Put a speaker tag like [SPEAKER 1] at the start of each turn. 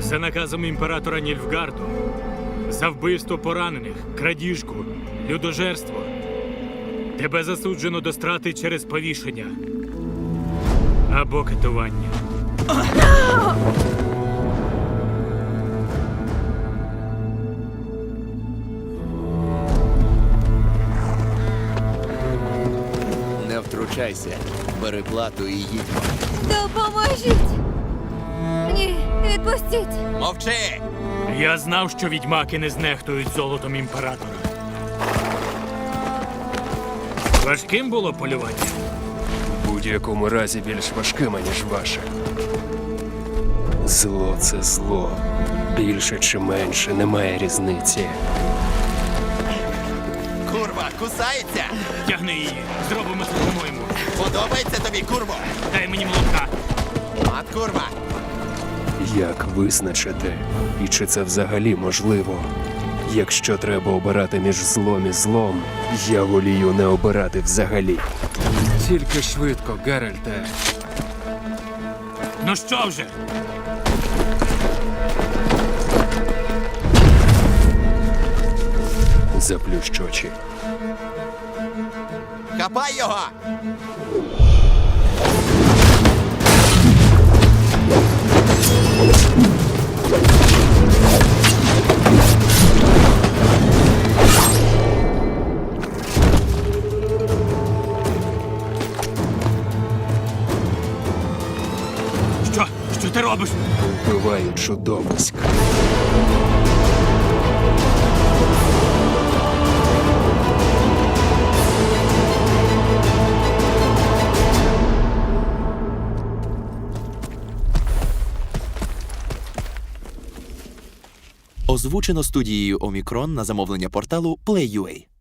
[SPEAKER 1] За наказом імператора Нільфгарду, за вбивство поранених, крадіжку, людожерство. Тебе засуджено до страти через повішення або катування.
[SPEAKER 2] Не втручайся. Бери плату і їдьмо.
[SPEAKER 3] Допоможіть! Ні, відпустіть!
[SPEAKER 2] Мовчи!
[SPEAKER 1] Я знав, що відьмаки не знехтують золотом імператора. Важким було полювання?
[SPEAKER 4] В будь-якому разі більш важкими, ніж ваше. Зло – це зло. Більше чи менше, немає різниці.
[SPEAKER 2] Курва, кусається!
[SPEAKER 1] Тягни її, зробимо це по-моєму.
[SPEAKER 2] Подобається тобі, курво?
[SPEAKER 1] Дай мені молотка.
[SPEAKER 2] Мат, курва!
[SPEAKER 4] Як визначити? І чи це взагалі можливо? Якщо треба обирати між злом і злом, я волію не обирати взагалі. Тільки швидко, Геральте.
[SPEAKER 1] Ну що вже?
[SPEAKER 4] Заплющ очі.
[SPEAKER 2] Хапай його!
[SPEAKER 1] Що? Що ти робиш?
[SPEAKER 4] Вбиваю чудовиськ.
[SPEAKER 5] Озвучено студією Омікрон на замовлення порталу Play.ua.